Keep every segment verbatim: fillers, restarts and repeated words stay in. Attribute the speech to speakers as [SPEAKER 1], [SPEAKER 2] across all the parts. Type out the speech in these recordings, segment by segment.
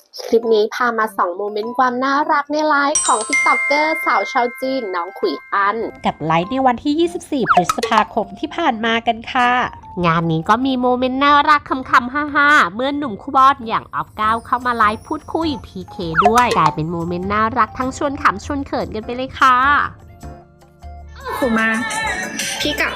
[SPEAKER 1] คลิปนี้พามาส่องโมเมนต์ความน่ารักในไลฟ์ของติ๊กต็อกเกอร์สาวชาวจีนน้องขุยอันกับไลฟ์ในวันที่ ยี่สิบสี่ พฤษภาคมที่ผ่านมากันค่ะ งานนี้ก็มีโมเมนต์น่ารักคำๆฮ่าๆเมื่อหนุ่มคู่บอสอย่างออฟก้าวเข้ามาไลฟ์พูดคุย พี เค ด้วยกลายเป็นโมเมนต์น่ารักทั้งชวนขำชวนเขินกันไปเลยค่ะ
[SPEAKER 2] ถูกมาพี่กับ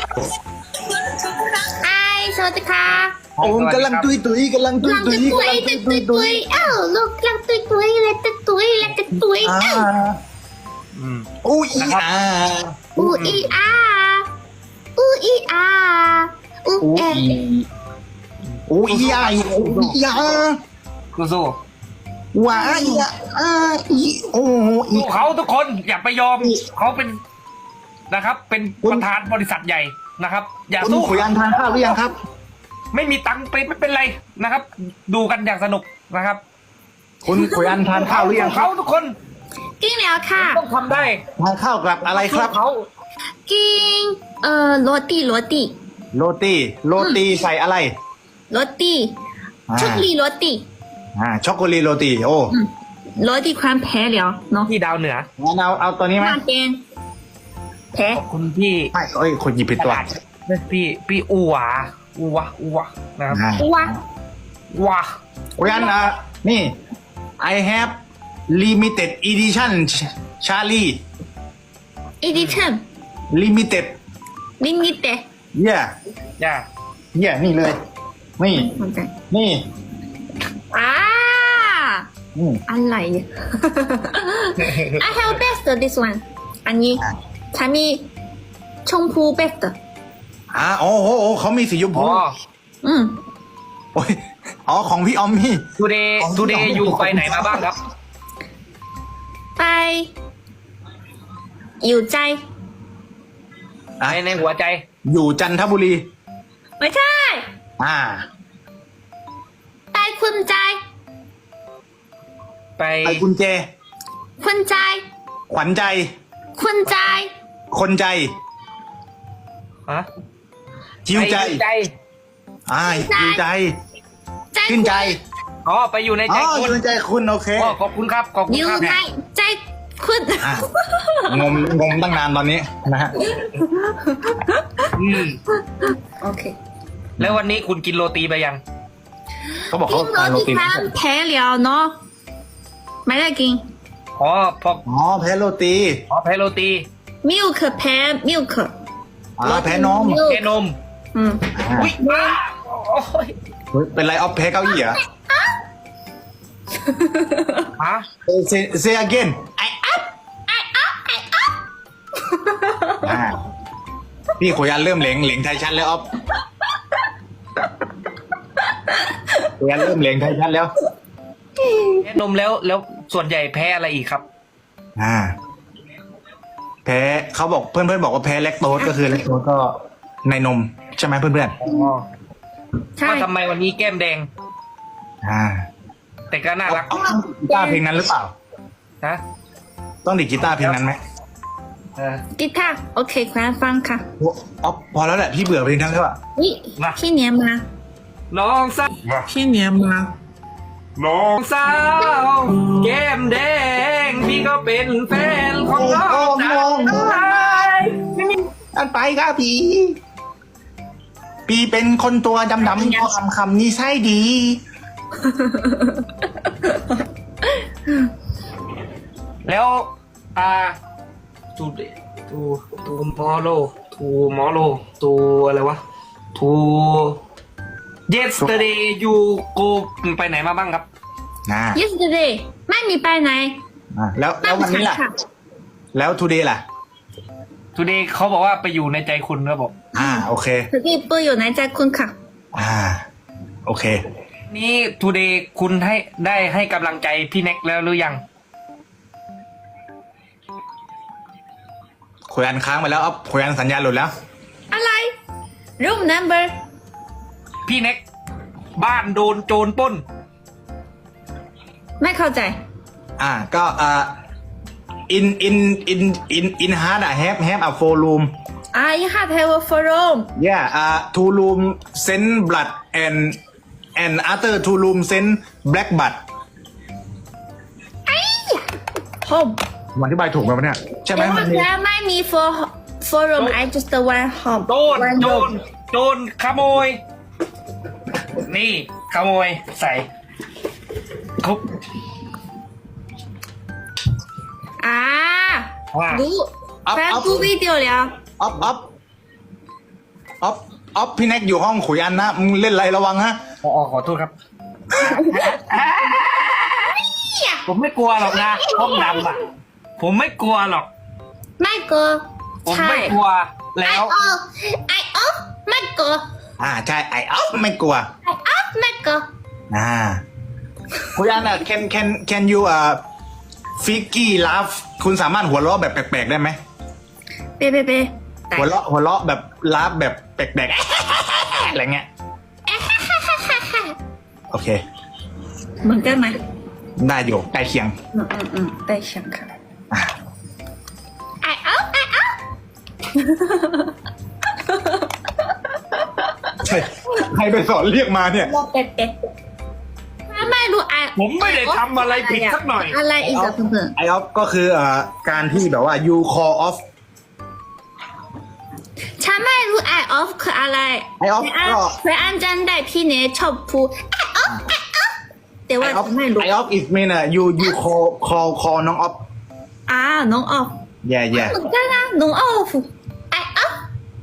[SPEAKER 2] ไอสวัสดีค่ะ
[SPEAKER 3] โอ้กำลังตุยตุยกำลังตุยตุยกำลังตุยตุยตุย
[SPEAKER 2] เอ้าลูกกำลังตุยตุยแล้วจะตุยแล้วจะตุยเอ้า
[SPEAKER 3] อู้อีอา
[SPEAKER 2] อูอีอาอูอีอาอูเอ
[SPEAKER 3] อู้อีอาอู้อีอา
[SPEAKER 4] กูสู้
[SPEAKER 3] ว้าอีอาอีโอ้อี
[SPEAKER 4] เขาทุกคนอย่าไปยอมเขาเป็นนะครับเป็นประธานบริษัทใหญ่นะครับอย่าสู้
[SPEAKER 3] ขุยอันทานข้าวหรือยังครับ
[SPEAKER 4] ไม่มีตังค์ไปไม่เป็นไรนะครับดูกันอย่างสนุกนะครับ
[SPEAKER 3] คุณขุยอันทานข้าวหรือยัง
[SPEAKER 4] เขาทุกคน
[SPEAKER 2] กินแล้วค่ะ
[SPEAKER 4] ต้องทำได้
[SPEAKER 3] ทานข้าวกับอะไรครับ
[SPEAKER 4] เขา
[SPEAKER 2] กินเอ่อโรตีโรตี
[SPEAKER 3] โรตีโรตีใส่อะไร
[SPEAKER 2] โรตีช็อกโกแลตโรตี
[SPEAKER 3] อ่าช็อกโกแลตโรตีโอ้
[SPEAKER 2] โรตีความแพ้แล้วเนาะ
[SPEAKER 4] ที่ดาวเหนือ
[SPEAKER 3] งั้นเอาเอาตัวนี้ไหม
[SPEAKER 2] เป็นแพ้
[SPEAKER 4] คุณพี่
[SPEAKER 3] ไม่เอ้ยคนหยิบผิดตัว
[SPEAKER 4] พี่พี่อูหวาอูวะอูวะนะครับ
[SPEAKER 2] อูวะ
[SPEAKER 4] วะ
[SPEAKER 3] ขุยอันอ่ะนี่ I have limited edition Charlie
[SPEAKER 2] edition
[SPEAKER 3] limited
[SPEAKER 2] limited
[SPEAKER 3] yeah
[SPEAKER 4] ย่า
[SPEAKER 3] yeah นี่เลยนี่นี่
[SPEAKER 2] อ่าอะไร I have best this one อันนี้ฉันมีชมพู best
[SPEAKER 3] อ่าโอ้โหเขามีสีชมพู
[SPEAKER 2] อืม
[SPEAKER 3] โอ้ยอ๋อของพี่ออมมี่
[SPEAKER 4] ทูเดย์ทูเดย์อยู่ไปไหนมาบ้างครับ
[SPEAKER 2] ไปอยู่ใจ
[SPEAKER 4] ในในหัวใจ
[SPEAKER 3] อยู่จันทบุรี
[SPEAKER 2] ไม่ใช่
[SPEAKER 3] อ่า
[SPEAKER 2] ไปคุณใจ
[SPEAKER 4] ไป
[SPEAKER 3] ไปคุณเจ
[SPEAKER 2] คุณใจ
[SPEAKER 3] ขวัญใจ
[SPEAKER 2] คุณใจ
[SPEAKER 3] คนใจ
[SPEAKER 4] ฮะ
[SPEAKER 3] จิวใจอ่าจิวใจขึ้นใจ
[SPEAKER 4] อ๋อไปอยู่ในใจ
[SPEAKER 3] คุณอยู่ในใจคุณโอเค
[SPEAKER 4] ขอบคุณครับขอบคุณครับ
[SPEAKER 2] อยู่ในใจคุณ
[SPEAKER 3] งมงมตั้งนานตอนนี้นะฮะ
[SPEAKER 4] อืม
[SPEAKER 2] โอเค
[SPEAKER 4] แล้ววันนี้คุณกินโรตีไปยัง
[SPEAKER 3] เขาบอกเขาทานโรตี
[SPEAKER 2] แพ้แล้วเนาะไม่ได้กิน
[SPEAKER 4] อ๋อพอ
[SPEAKER 3] อ๋อแพ้โรตี
[SPEAKER 4] อ๋อแพ้โรตี
[SPEAKER 2] มิลค์แพ้มิลค์
[SPEAKER 3] อ๋อแพ้นม
[SPEAKER 4] แพ้นม
[SPEAKER 2] อืม
[SPEAKER 4] อุ้ย
[SPEAKER 3] โอ้ยเป็นไรออฟแพ้เก้าอี้เหรอ
[SPEAKER 4] ฮะ
[SPEAKER 3] say say again
[SPEAKER 2] I up I up I up
[SPEAKER 3] พี่ขุยอันเริ่มเหลงเหลงไทยชัดแล้วออฟขุยอันเริ่มเหลงไทยชัดแล้ว
[SPEAKER 4] แพ้นมแล้วแล้วส่วนใหญ่แพ้อะไรอีกครับ
[SPEAKER 3] อ่าแพ้เขาบอกเพื่อนเพื่อนบอกว่าแพ้แลคโตสก็คือแลคโตสก็ในนมใช่ไหมเพื่อนเพื่อน
[SPEAKER 4] ใช่ทำไมวันนี้แก้มแดง
[SPEAKER 3] อ่า
[SPEAKER 4] แต่ก็น่ารัก
[SPEAKER 3] กีตาร์เพลงนั้นหรือเปล่า
[SPEAKER 4] ฮะ
[SPEAKER 3] ต้องดิกีตาร์เพลงนั้นไหม
[SPEAKER 2] กีตาร์โอเคคุณฟังค่ะ
[SPEAKER 3] อ๋อพอแล้วแหละพี่เบื่อเพลงนั้นแล้วอ่ะ
[SPEAKER 2] นี่พี่เนียมา
[SPEAKER 4] น้องสาว
[SPEAKER 2] พี่เนียมา
[SPEAKER 4] น้องสาวแก้มแดงพี่ก็เป็นแฟนของน้องสาว
[SPEAKER 3] อันไปครับพี่พี่เป็นคนตัวดำๆก็คำคำนี้ใช่ดี
[SPEAKER 4] แล้วอ่าทูทูทูมอโลทูมอโลทูอะไรวะทู yesterday you go ไปไหนมาบ้างครับ
[SPEAKER 2] yesterday ไม่มีไปไหน
[SPEAKER 3] แล้วแล้ววันนี้ล่ะแล้ว today ล่ะ
[SPEAKER 4] today เขาบอกว่าไปอยู่ในใจคุณครับผม
[SPEAKER 3] อ่าโอเค
[SPEAKER 2] today ไปอยู่ในใจคุณค่ะ
[SPEAKER 3] อ่าโอเค
[SPEAKER 4] นี่ today คุณให้ได้ให้กำลังใจพี่เน็กแล้วหรือยัง
[SPEAKER 3] คุยอันค้างไปแล้วอ๊อฟคุยอันสัญญาณหลุดแล้ว
[SPEAKER 2] อะไร room number
[SPEAKER 4] พี่เน็กบ้านโดนโจรปล้น
[SPEAKER 2] ไม่เข้าใจ
[SPEAKER 3] อ่าก็อ่า in in in in in hard อะ have have a four room
[SPEAKER 2] I have have a four room
[SPEAKER 3] yeah อ่า two room send blood and and other two room send black blood
[SPEAKER 2] home
[SPEAKER 3] ผมอธิบายถูกไหมวะเนี่ยใช่ไหม
[SPEAKER 2] แต่
[SPEAKER 3] มั
[SPEAKER 2] ว่าน
[SPEAKER 3] มี
[SPEAKER 2] แล้วไม่มี for for room I just want home
[SPEAKER 4] โจร
[SPEAKER 2] one
[SPEAKER 4] โจ
[SPEAKER 2] room
[SPEAKER 4] รโจรขโมย นี่ขโมยใส่คุก
[SPEAKER 2] อ่า
[SPEAKER 4] ว่า
[SPEAKER 2] ดูแฟนดูวิดีโอแล้ว
[SPEAKER 3] ออฟออฟออฟออฟพี่แน็กอยู่ห้องขุยอันนะมึงเล่นอะไรระวังฮะ
[SPEAKER 4] อ๋อขอโทษครับ ผมไม่กลัวหรอกนะห้องดำอ่ะ ผมไม่กลัวหรอก
[SPEAKER 2] ไม่กลัว
[SPEAKER 4] ผม
[SPEAKER 2] ใช่
[SPEAKER 4] ไม่กลัวแล้
[SPEAKER 2] I
[SPEAKER 4] ว
[SPEAKER 2] off I off ไม่กลัว
[SPEAKER 3] อ่าใช่ไอออฟไม่กลัว
[SPEAKER 2] I off ไม่กลัว
[SPEAKER 3] อ่าขุยอันอ่ะ can can can you อ่าฟิกกี้ลาฟคุณสามารถหัวเราะแบบแปลกๆได้ไหม
[SPEAKER 2] เป๊ะเป๊ะเป๊ะ
[SPEAKER 3] หัวเราะหัวเราะแบบลาฟแบบแปลกๆ อะไรเงี้ยโอเค
[SPEAKER 2] เหมือนกันไหม
[SPEAKER 3] ได้อยู่ใกล้เคียง
[SPEAKER 2] อืมอืมอืมได้เสียงค่ะ
[SPEAKER 3] อ่ะ
[SPEAKER 2] I off I off
[SPEAKER 3] ใช่ใครไปสอนเรียกมาเนี่ย
[SPEAKER 2] รอเป๊ะเป๊ะถ้าไม่รู้ I
[SPEAKER 4] ผมไม่ได้ทำอะไรผิดสักหน่อย
[SPEAKER 2] อะไรอีกอะเพื่อน
[SPEAKER 3] ไอออฟก็คือเอ่อการที่แบบว่า you call off
[SPEAKER 2] ๆฉันไม่รู้ I off คืออะไร
[SPEAKER 3] I off
[SPEAKER 2] เคยอ่าน
[SPEAKER 3] ก็
[SPEAKER 2] เคยอ่านจันได้พี่เนยชอบพูด I off I off แต่ว่า
[SPEAKER 3] I off
[SPEAKER 2] ฉันไม่รู้
[SPEAKER 3] I off is mean อ่ะ you you call call call น้อง off
[SPEAKER 2] อ่าน้อง off
[SPEAKER 3] yeah yeah
[SPEAKER 2] เหมือนกันนะน้อง off I off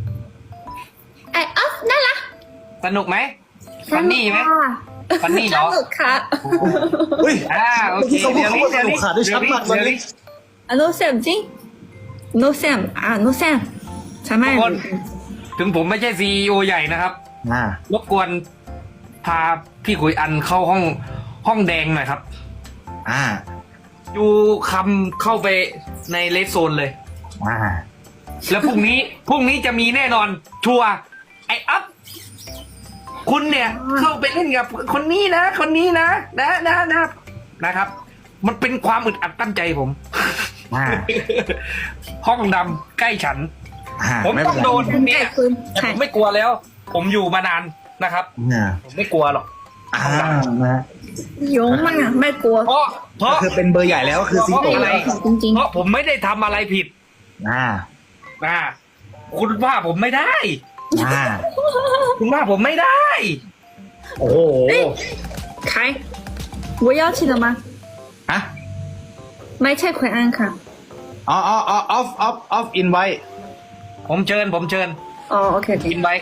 [SPEAKER 2] I off นั่นละ
[SPEAKER 4] สนุกไหมฟันนี่ไหม ฟันนี่เหรอ
[SPEAKER 2] สนุกค่ะ
[SPEAKER 3] เฮ้ย
[SPEAKER 4] อ่าโอเค
[SPEAKER 3] เขาพูด
[SPEAKER 4] เดี๋ยว
[SPEAKER 3] เขา
[SPEAKER 4] นี้
[SPEAKER 3] ว่าส
[SPEAKER 4] เดี๋ยว
[SPEAKER 3] นุก
[SPEAKER 4] นี้
[SPEAKER 3] ขาดได้ชัดมากตอน
[SPEAKER 4] เดี๋ยว
[SPEAKER 3] นี้
[SPEAKER 4] นี้
[SPEAKER 2] อ่ะ no sam จริง no sam อ่า no sam ฉันไม่
[SPEAKER 4] ทุกคน ถึงผมไม่ใช่ซีอีโอใหญ่นะครับ
[SPEAKER 3] อ่าร
[SPEAKER 4] บกวนพาพี่ขุยอันเข้าห้องห้องแดงหน่อยครับ
[SPEAKER 3] อ่า
[SPEAKER 4] อยู่คำเข้าไปในเลสโซนเลย
[SPEAKER 3] อ่า
[SPEAKER 4] แล้วพรุ่งนี้ พรุ่งนี้จะมีแน่นอน ชัวร์ไออัพคุณเนี่ย เข้าไปเล่นกับคนนี้นะ คนนี้นะ นะนะนะนะครับ มันเป็นความอึดอัดตั้งใจผม
[SPEAKER 3] อ่า
[SPEAKER 4] ห้องดำใกล้ฉัน
[SPEAKER 3] อ่า
[SPEAKER 4] ผม
[SPEAKER 3] ไม่
[SPEAKER 4] ต้
[SPEAKER 3] เป็
[SPEAKER 4] อน ง
[SPEAKER 3] ไร
[SPEAKER 4] โดน
[SPEAKER 2] ฉัน
[SPEAKER 4] เนี่
[SPEAKER 2] ได้
[SPEAKER 4] ย
[SPEAKER 2] คืน
[SPEAKER 4] แต่
[SPEAKER 2] ใช่
[SPEAKER 4] ผมไม่กลัวแล้ว ผมอยู่มานานนะครับ
[SPEAKER 3] อ่า
[SPEAKER 4] ผมไม่กลัวหรอก
[SPEAKER 3] อ่านะ
[SPEAKER 2] โยงมากไม่กลัว
[SPEAKER 4] เพราะเพราะ
[SPEAKER 3] ก็คือเป็นเบอร์ใหญ่แล้วก็คือซิง
[SPEAKER 4] เพ
[SPEAKER 3] โต
[SPEAKER 4] ราะอะไร
[SPEAKER 2] จริง
[SPEAKER 4] เพราะผมไม่ได้ทำอะไรผิด
[SPEAKER 3] อ่า
[SPEAKER 4] อ่าคุณว่าผมไม่ได้
[SPEAKER 3] อ่า
[SPEAKER 4] คุณว่าผมไม่ได้
[SPEAKER 3] โอ้โห
[SPEAKER 2] ๆใคร我邀请了吗
[SPEAKER 3] ฮะ
[SPEAKER 2] ไม่ใช่คุณอันค่ะ
[SPEAKER 3] อ๋ออ๋ออ๋อ off off off invite
[SPEAKER 4] ผมเชิญ ผมเชิญ
[SPEAKER 2] อ๋อโอเคโอเค
[SPEAKER 4] กินไป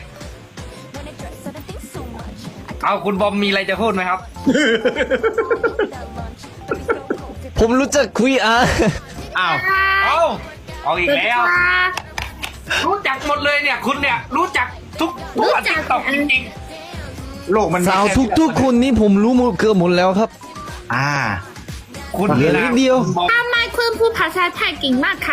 [SPEAKER 4] เอาคุณบอมมีอะไรจะพูดไหมครับ
[SPEAKER 5] ผมรู้จักคุยอ่ะ
[SPEAKER 3] อ้าว
[SPEAKER 4] เอาเอาอีกแล้ว รู้จักหมดเลยเนี่ย คุณเนี่ย รู้จักทุกตัวติ๊กต็อกจริง
[SPEAKER 3] โลกมันมี
[SPEAKER 5] สาว
[SPEAKER 3] แค่
[SPEAKER 5] ทุกทุกๆคนนี่ผมรู้หมดเกือบหมดแล้วครับ
[SPEAKER 3] อ่า
[SPEAKER 4] ๆคุณ
[SPEAKER 5] เหลือนิดเดียว
[SPEAKER 4] คุณบอม
[SPEAKER 2] ทำไมคุณพูดภาษาไทยเก่งมากคะ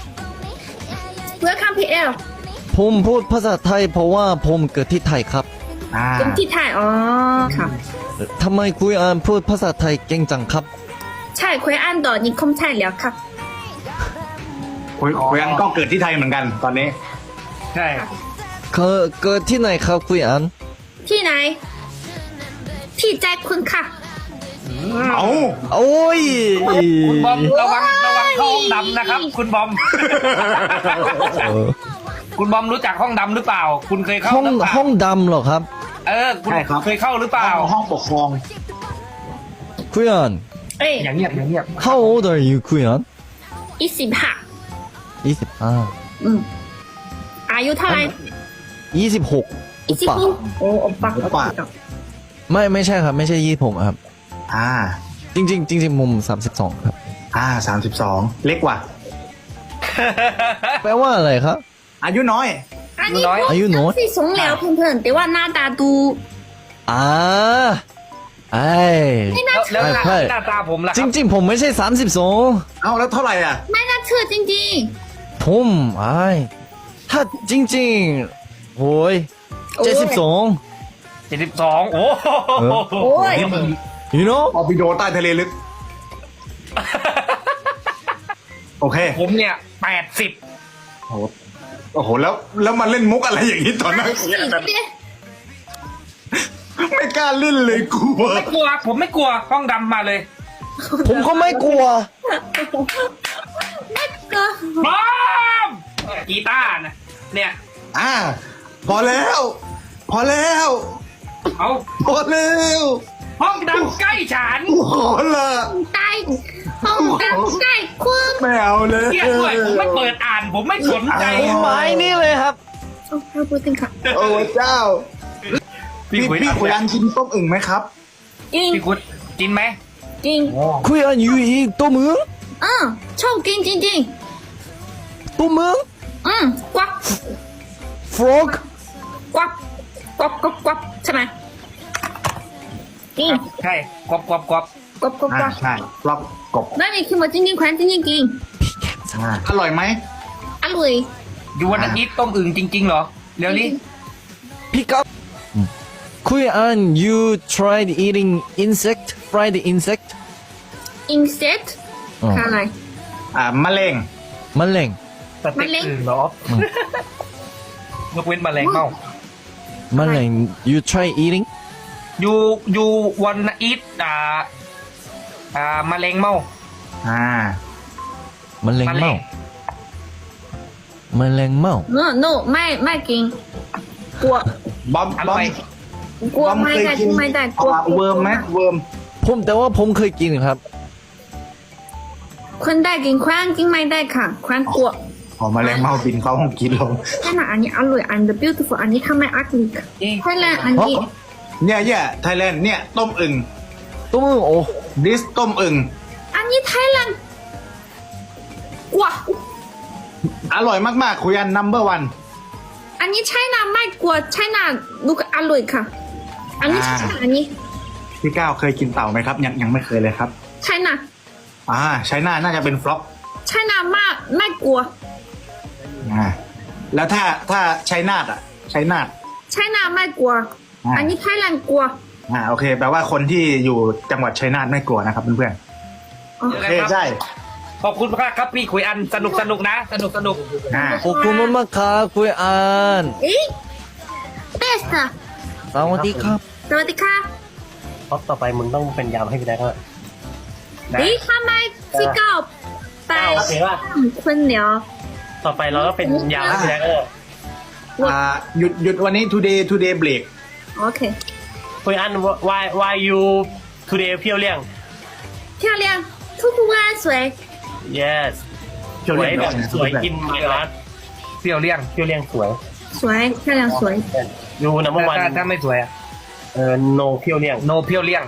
[SPEAKER 2] Welcome พี แอล
[SPEAKER 5] ผมพูดภาษาไทยเพราะว่าผมเกิดที่ไทยครับ
[SPEAKER 3] อ่า
[SPEAKER 2] เป็นที่ไทยอ๋อค่ะ
[SPEAKER 5] ทำไมคุยอ่านพูดภาษาไทยเก่งจังครับ
[SPEAKER 2] ใช่คุณอันต่อนิคมไทยแล้วครับ
[SPEAKER 3] คุยคุยกันก็เกิดที่ไทยเหมือนกันตอนนี้
[SPEAKER 4] ใช่
[SPEAKER 5] เกิดเกิดที่ไหนครับคุยอ่าน
[SPEAKER 2] ที่ไหน ที่ใจคุณค่ะ
[SPEAKER 3] เอา
[SPEAKER 5] โอ้ย
[SPEAKER 4] คุณบอมระวังระวังเข้าห้องดำนะครับ คุณบอม
[SPEAKER 5] เออ
[SPEAKER 4] คุณบอมรู้จักห้องดำหรือเปล่า คุณเคยเข้า
[SPEAKER 5] ห้อง
[SPEAKER 4] หรือเปล่า
[SPEAKER 5] ห้องดำเหรอครับ
[SPEAKER 4] เออ คุณเคยเข้าหรือเปล่า
[SPEAKER 3] ห้องปกครอง
[SPEAKER 5] คุยอ่าน
[SPEAKER 2] เอ้ย
[SPEAKER 4] อย่างเงียบอย่างเงียบ
[SPEAKER 5] How old are you คุยอ่าน
[SPEAKER 2] ยี่สิบห้า
[SPEAKER 5] ยี่สิบห้า
[SPEAKER 2] อืมอายุเท่าไหร่
[SPEAKER 5] ยี่สิบหกอุ
[SPEAKER 2] ยี่สิบ
[SPEAKER 5] ปะ
[SPEAKER 2] หกโอ้โอปะ
[SPEAKER 3] โอปะ
[SPEAKER 5] ไม่ไม่ใช่ครับไม่ใช่ยี่สิบหกครับ
[SPEAKER 3] อ่า
[SPEAKER 5] จริงๆจริงๆมุมสามสิบสองครับ
[SPEAKER 3] อ่าสามสิบสองเล็กกว่า
[SPEAKER 5] แปลว่าอะไรครับ
[SPEAKER 3] อายุน้อย
[SPEAKER 2] อันนี้
[SPEAKER 4] น้อย
[SPEAKER 5] อายุน้อย
[SPEAKER 2] ที่สงแล้วเพื่อนๆแต่ว่าหน้าตาดู
[SPEAKER 5] อ่าไอ้
[SPEAKER 2] ไม่น่า
[SPEAKER 4] แล้ว
[SPEAKER 2] เชื่อ
[SPEAKER 4] แล้ว
[SPEAKER 5] ใช่
[SPEAKER 4] หน้าตาผมล่ะค
[SPEAKER 5] จ
[SPEAKER 4] รับ
[SPEAKER 5] ริง ๆ ผมไม่ใช่สามสิบสอง
[SPEAKER 3] เอาแล้วเท่าไหร่อ่ะ
[SPEAKER 2] ไม่น่าเชื่อจริง
[SPEAKER 5] ผมไอ้ถ้าจริงๆโอ้ย
[SPEAKER 2] โอ้ย
[SPEAKER 5] เจ็ดสิบสอง
[SPEAKER 4] เจ็ดสิบสองโอ้โห
[SPEAKER 2] โอ้ย
[SPEAKER 5] you know
[SPEAKER 3] ออบิโดใต้ทะเลลึก โอเค
[SPEAKER 4] ผมเนี่ยแปดสิบ
[SPEAKER 3] โอ้โหโอ้โห แล้ว แล้วมาเล่นมุกอะไรอย่างนี้ตอนนั้น
[SPEAKER 2] ๆสิเปีย
[SPEAKER 3] ไม่กล้าเล่นเลยกลัว
[SPEAKER 4] ไม่กลัว ผมไม่กลัวห้องดำมาเลย
[SPEAKER 5] ผมก็ไม่กลัว
[SPEAKER 2] ก็
[SPEAKER 4] พร้อมกีตาร์นะเนี่ย
[SPEAKER 3] อ่า พอแล้ว พอแล้ว
[SPEAKER 4] เอา
[SPEAKER 3] พอแล้ว
[SPEAKER 4] ห้องดำใกล้ฉัน
[SPEAKER 3] ขอละ
[SPEAKER 2] ใต้ห้องดำใต้คุณ
[SPEAKER 3] ไม่เอาเลย
[SPEAKER 4] เกียดด้วยผมไม่เปิดอ่าน ผมไม่สนใจ
[SPEAKER 5] ผมไม้นี่เลยครับ
[SPEAKER 2] โอ้เราพูดกันค่ะ
[SPEAKER 3] โอ้เจ้า พี่
[SPEAKER 4] คุย
[SPEAKER 3] พี่ขุยอันกินต้มอึ่งไหมครับ
[SPEAKER 2] จริง
[SPEAKER 4] พี่คุยกินไหม
[SPEAKER 2] จริง
[SPEAKER 5] คุยอันอยู่อีกตัวมึง
[SPEAKER 2] อืมชอบกินจริงจริง
[SPEAKER 5] ตัวมึง
[SPEAKER 2] ๆอืมกวัก
[SPEAKER 5] frog
[SPEAKER 2] กวักกวักกวักกวักใช่ไหมจริง
[SPEAKER 4] ใช่กรอบกรอบกรอบ
[SPEAKER 2] กวักกวักก
[SPEAKER 3] อ่า
[SPEAKER 2] วัก
[SPEAKER 3] ใช่รอบกบ
[SPEAKER 2] นั่นนี่คือมาจริงจริงๆควันจริงจริงจริง
[SPEAKER 3] อ่าอร่อยไหม
[SPEAKER 2] อร่อย
[SPEAKER 4] อยู่วันอาทิตย์ต้มอึ่งจริงๆเหรอ เดี๋ยวนี้
[SPEAKER 5] pick up คุยอัน you tried eating insect fried insect
[SPEAKER 2] อินเซต
[SPEAKER 5] อ๋อ
[SPEAKER 2] คืออะไร
[SPEAKER 3] อ่ามะเร็ง
[SPEAKER 5] แมลง
[SPEAKER 4] สเต็กอึ่งเหรอยกเว้นแมลงเม่า
[SPEAKER 5] แมลง you try eating
[SPEAKER 4] อยู่อยู่วันอาทิตย์อ่าอ่าแมลงเม่า
[SPEAKER 3] อ่า
[SPEAKER 5] แมลงเม่าแมลงเม่า
[SPEAKER 2] no no ไม่ไม่กินกลัว
[SPEAKER 3] บอม
[SPEAKER 4] อบ
[SPEAKER 3] อ
[SPEAKER 4] ร่
[SPEAKER 3] ม
[SPEAKER 4] อย
[SPEAKER 2] กลัว
[SPEAKER 3] บอม
[SPEAKER 2] ไม่
[SPEAKER 3] เคย
[SPEAKER 2] ได้
[SPEAKER 3] กิน
[SPEAKER 2] ไม่ได้กลัว
[SPEAKER 3] อ่าเวิร์มไหมเวิร์ม
[SPEAKER 5] ผมแต่ว่าผมเคยกินครับ
[SPEAKER 2] คนได้กินควันกินไม่ได้ค่ะควันกลัว
[SPEAKER 3] ขอมะเร็งเมาบินเข้าห้องกินลง
[SPEAKER 2] แค่นั้นอันนี้อร่อยอัน the beautiful อันนี้ทำไมอักลิกไทยแลนด์อันนี้
[SPEAKER 3] เนี่ยเนี่ยไทยแลนด์เนี่ยต้มอึ่ง
[SPEAKER 5] ตัวมึงโอ้
[SPEAKER 3] ดิสต้มอึ่ง
[SPEAKER 2] อันนี้ไทยแลนด์กว่า
[SPEAKER 3] อร่อยมากๆคุยอัน number one
[SPEAKER 2] อันนี้ไชน่าไม่กลัวไชน่าลูกอร่อยค่ะ อันนี้ไชน่าอันนี้
[SPEAKER 3] พี่ก้าวเคยกินเต่าไหมครับ ยังยังไม่เคยเลยครับ
[SPEAKER 2] ไชน่า
[SPEAKER 3] อ่าใช้หน้าน่าจะเป็นฟล็อก
[SPEAKER 2] ไชน่ามากไม่กลัว
[SPEAKER 3] อ่าแล้วถ้าถ้าใช้นาดอ่ะ ใช้นาด
[SPEAKER 2] ไชน่าไม่กลัว
[SPEAKER 3] อ่า
[SPEAKER 2] อันนี้ไทยแลนด์กลัว
[SPEAKER 3] อ่าโอเคแปลว่าคนที่อยู่จังหวัดชัยนาทไม่กลัวนะครับเพื่อน
[SPEAKER 2] อ๋อ
[SPEAKER 3] ๆโอเคใช่
[SPEAKER 4] ขอบคุณมากครับพี่คุยอันสนุกสนุกนะ สนุกสนุก
[SPEAKER 3] อ่า
[SPEAKER 5] ขอบคุณมากๆครับคุยอัน
[SPEAKER 2] เอ๊ะ best
[SPEAKER 5] สวัสดีครับ
[SPEAKER 2] สวัสดีค่ะ
[SPEAKER 6] เพราะต่อไปมึงต้องเป็นยามให้พี่แดกแล้ว
[SPEAKER 4] นะ
[SPEAKER 2] เอ๊ะทำไมพี่ก้าวไป
[SPEAKER 6] โอเคป่ะ
[SPEAKER 2] คนเหนียว
[SPEAKER 6] ต่อไปเราก็เป็นยามให้พี่แดกแล้ว
[SPEAKER 3] อ่าหยุดหยุดวันนี้ today today break
[SPEAKER 2] โอเค
[SPEAKER 6] คุยอัน why why you today เพียวเลี่ยง
[SPEAKER 2] 漂亮ทุกวันสวย
[SPEAKER 6] yes สวยแบบสวยกินไมรัส
[SPEAKER 4] เปรี้ยวเลี่ยง
[SPEAKER 6] เพียวเลี่ยงสวย
[SPEAKER 2] สวย漂亮สวย
[SPEAKER 6] ดูนะเมื่อวาน
[SPEAKER 4] ถ้าถ้าไม่สวยอะ
[SPEAKER 6] เออ no เพียวเลี่ยง
[SPEAKER 4] โนเปรี้ยวเลี่ยง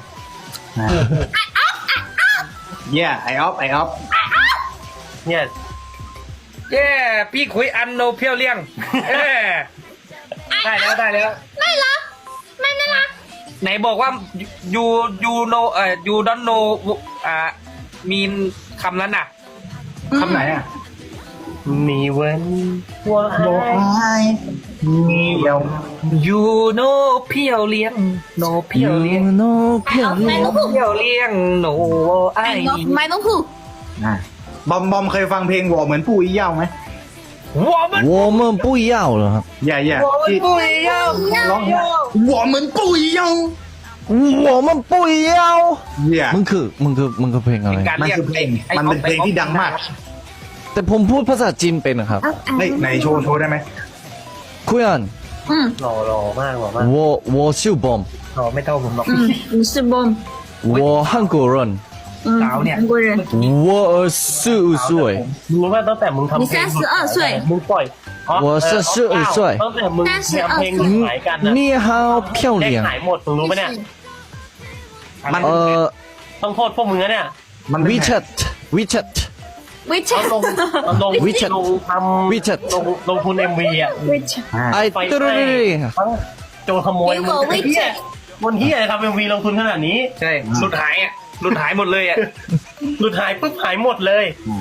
[SPEAKER 3] yeah I off I off
[SPEAKER 6] yes
[SPEAKER 4] เย้พี่คุยอันโนเปรี้ยวเลี่ยงเอ้ได้แล้วได้แล้ว
[SPEAKER 2] ไม่เหรอไม่น่ารัก
[SPEAKER 4] ไหนบอกว่า you you know เอ่อ you don't know อ่ามีคำนั้นน่ะ
[SPEAKER 3] คำไหนอ่ะ
[SPEAKER 6] มีเว้นว่า
[SPEAKER 3] มีเดียว
[SPEAKER 4] you know เพียวเลี้ยง no เพียวเลี้ยง
[SPEAKER 5] โนเพียว
[SPEAKER 2] ไม่
[SPEAKER 5] เลี้ย
[SPEAKER 2] ต้องพูด
[SPEAKER 4] เพียวเลี้ยง no ไอ
[SPEAKER 2] ไม่ต้องพูด
[SPEAKER 3] อ่าบอมบอมเคยฟังเพลงวอเหมือนปู่อีเหย่าไหม
[SPEAKER 4] 我们
[SPEAKER 5] 我们不要了ครับ
[SPEAKER 3] อย่าอย่า
[SPEAKER 4] 我们
[SPEAKER 3] ที่
[SPEAKER 4] 不一样
[SPEAKER 3] ร้องวอเหมือนปู่อีเหย่า
[SPEAKER 5] 我们不要
[SPEAKER 3] อย่า
[SPEAKER 5] มันคือมันคือมันคือเพลงอะไร
[SPEAKER 4] เป็นการ
[SPEAKER 3] มัน
[SPEAKER 4] เรียก
[SPEAKER 3] คือเพลงมันเป็นเพลงที่ดังมาก
[SPEAKER 5] แต่ผมพูดภาษาจีนเป็นนะครับ
[SPEAKER 2] เอาเอา
[SPEAKER 3] เฮ้ยไหนโชว์โชว์ได้ไหม
[SPEAKER 5] คุยอัน
[SPEAKER 2] อืม
[SPEAKER 6] หล่อหล่อมากหล่อมาก
[SPEAKER 5] 我我是 bomb
[SPEAKER 4] หล่อไม่เท่าผมหรอก
[SPEAKER 2] อืม你是 bomb
[SPEAKER 5] 我韩国人
[SPEAKER 2] 嗯
[SPEAKER 4] สาวเนี่ย
[SPEAKER 2] 韩国人
[SPEAKER 5] 我二十五岁
[SPEAKER 6] มึงรู้ว่าตั้งแต่มึงทำเพลง
[SPEAKER 2] 你三十二岁
[SPEAKER 6] มึงปล่อยอ๋อ
[SPEAKER 5] 我是十二岁
[SPEAKER 6] ตั้งแต่มึงทำเพลงขายกันนะ
[SPEAKER 5] 你好漂
[SPEAKER 6] เลข
[SPEAKER 5] 亮
[SPEAKER 6] ขายหมดมึงรู้ไหมเนี่ย
[SPEAKER 3] มัน
[SPEAKER 5] เอ่อ
[SPEAKER 6] ต้องโทษพวกมึงนะเนี่ย
[SPEAKER 3] มันเป็น
[SPEAKER 5] WeChat WeChat
[SPEAKER 2] วิ
[SPEAKER 6] เอา
[SPEAKER 2] ชา
[SPEAKER 6] ลงเอาลง
[SPEAKER 5] WeChat
[SPEAKER 6] ลงทำ
[SPEAKER 5] WeChat
[SPEAKER 6] ลงลงทุนเอ็มวีอ่ะ
[SPEAKER 2] วิชา
[SPEAKER 3] อ่า
[SPEAKER 5] ไอ้ตุ๊ด
[SPEAKER 6] ทั้งโจรขโมยมึง
[SPEAKER 2] Bingo
[SPEAKER 6] ไอ้เหี้ย
[SPEAKER 2] WeChat
[SPEAKER 6] วันที่อะไรทำเอ็มวีลงทุนขนาดนี้
[SPEAKER 4] ใช่หลุดหายอ่ะหลุดหายหมดเลยอ่ะ
[SPEAKER 6] หลุดหายปุ๊บหายหมดเลย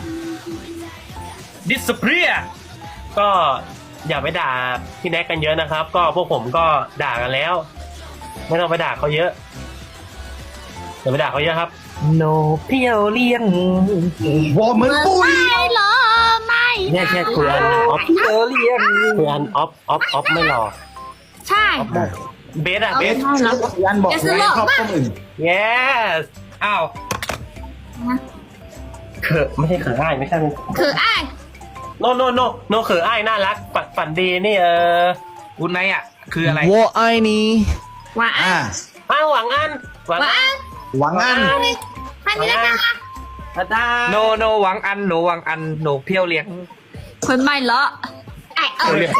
[SPEAKER 4] disappear
[SPEAKER 6] ก็อย่าไปด่าพี่แน็กกันเยอะนะครับ ก็พวกผมก็ด่ากันแล้ว ไม่ต้องไปด่าเขาเยอะอย่าไปด่าเขาเยอะครับ
[SPEAKER 4] no เพียวเลี้ยง
[SPEAKER 3] วอเหมือนปู่อี
[SPEAKER 2] ไม่หรอไม่
[SPEAKER 6] เนี่ยแค่คุยอันออฟ
[SPEAKER 4] เพียวเลี้ยง
[SPEAKER 6] คุยอันออฟออฟออฟไม่หล่อ
[SPEAKER 2] ใช่
[SPEAKER 6] เบสอะ
[SPEAKER 3] เบ
[SPEAKER 6] เบ
[SPEAKER 3] ส
[SPEAKER 6] ส
[SPEAKER 3] ยันบอกไว้ชอบต้มอึ่ง
[SPEAKER 6] yes
[SPEAKER 4] อ้าว
[SPEAKER 6] เขอไม่ใช่เขออ้ายไม่ใช่
[SPEAKER 2] 可爱
[SPEAKER 6] โนโนโนโนเขออ้ายน่ารักฝันฝันดีนี่เออ
[SPEAKER 4] คุณไนอ่ะ คืออะไร
[SPEAKER 5] 我爱你。
[SPEAKER 2] 晚
[SPEAKER 3] อ่า
[SPEAKER 2] 安
[SPEAKER 6] อ้าวหวังอันหวัง
[SPEAKER 2] 晚
[SPEAKER 6] อัน
[SPEAKER 2] 安
[SPEAKER 3] หวังอัน
[SPEAKER 2] 欢迎大家
[SPEAKER 6] อาจารย์
[SPEAKER 4] โนโนหวังอันหนูหวังอันหนูเพียวเลี้ยง
[SPEAKER 2] คนไม่เลาะไอเออ
[SPEAKER 3] เรียก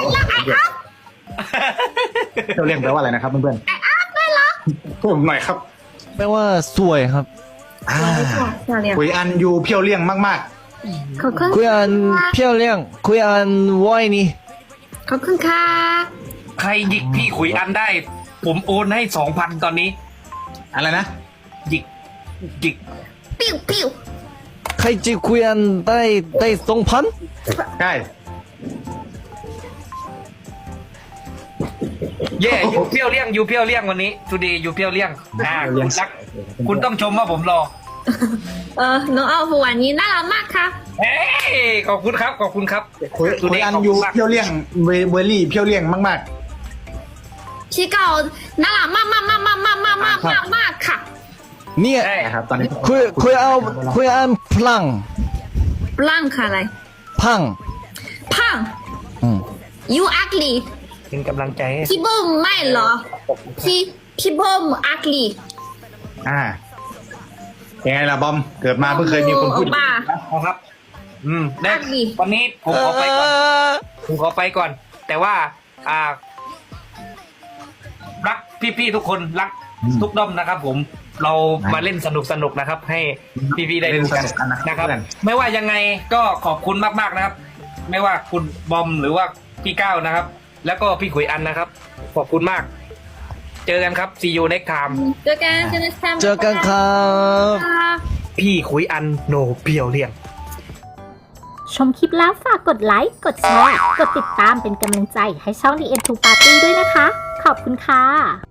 [SPEAKER 3] เราเรียกแปลว่าอะไรนะครับเพื่อนๆเพิ่มหน่อยครับ
[SPEAKER 5] แปลว่าสวยครับ
[SPEAKER 3] อ่า
[SPEAKER 2] 漂亮
[SPEAKER 3] คุยอันยูเพียวเลี่ยงมาก
[SPEAKER 2] ขอบคุณ
[SPEAKER 5] คุยอัน漂亮คุยอัน我爱你
[SPEAKER 2] ขอบคุณค่ะ
[SPEAKER 4] ใครหยิกพี่ขุยอันได้ ผมโอนให้สองพันตอนนี้
[SPEAKER 3] ๆ อะไรนะ
[SPEAKER 4] หยิกหยิก
[SPEAKER 2] ปิ้วปิ้ว
[SPEAKER 5] ใครจะคุยอันได้ได้สองพัน
[SPEAKER 3] ใช่
[SPEAKER 4] เย่ยูเพียวเลี้ยงยูเพียวเลี้ยงวันนี้ทูดียูเพียวเลี้ยงอ่าคุณรัก คุณต้องชมว่าผมรอ
[SPEAKER 2] เออน้องเอาหัวนี้น่ารักมากค่ะ
[SPEAKER 4] เฮ้ยขอบคุณครับขอบคุณครับ
[SPEAKER 3] คุย
[SPEAKER 4] ทู
[SPEAKER 3] คุ
[SPEAKER 4] ดี
[SPEAKER 3] ยอัน
[SPEAKER 4] ขอบ
[SPEAKER 3] ยู
[SPEAKER 4] คุณมาก
[SPEAKER 3] เพียวเลี่ยงเวเวอรี่เพียวเลี่ยงมาก
[SPEAKER 2] พี่เก่าน่ารักมากมากมากมากมากมากมากมากมากค่ะ
[SPEAKER 5] เนี่ย
[SPEAKER 4] ใช่
[SPEAKER 3] ๆนะครับตอนนี้
[SPEAKER 5] คุยคุยเอาคุยอันพลัง
[SPEAKER 2] บลังค่ะอะไร
[SPEAKER 5] พัง
[SPEAKER 2] พัง
[SPEAKER 5] อืม
[SPEAKER 2] you ugly
[SPEAKER 4] เป็นกำลังใจให้
[SPEAKER 2] พี่เบิ้มไม่เหรอพี่พี่เบิ้ม ugly
[SPEAKER 3] อ่ายังไงล่ะบอมเกิดมาเพิ่งเคยมีคนพูด
[SPEAKER 2] บ้า
[SPEAKER 4] นะครับ อืมได้
[SPEAKER 2] อันนี้
[SPEAKER 4] วันนี้ผมขอไปก่อน ผมขอไปก่อน แต่ว่า อ่า รักพี่ๆทุกคนรักทุกด้อมนะครับ ผมเรามาเล่นสนุกสนุกๆนะครับ ให้พี่ๆได้ดูกันนะครับ ไม่ว่ายังไงก็ขอบคุณมากๆนะครับ ไม่ว่าคุณบอมหรือว่าพี่ก้าวนะครับ แล้วก็พี่ขุยอันนะครับ ขอบคุณมาก เจอกันครับ see you next time
[SPEAKER 2] เจอกันเจอกัน
[SPEAKER 5] เจอกันครับ
[SPEAKER 4] พี่ขุยอันโนเพียวเลี้ยง
[SPEAKER 1] ชมคลิปแล้วฝากกดไลค์ กดแชร์ กดติดตามเป็นกำลังใจให้ช่อง The เอ็น ทู Party ด้วยนะคะ ขอบคุณค่ะ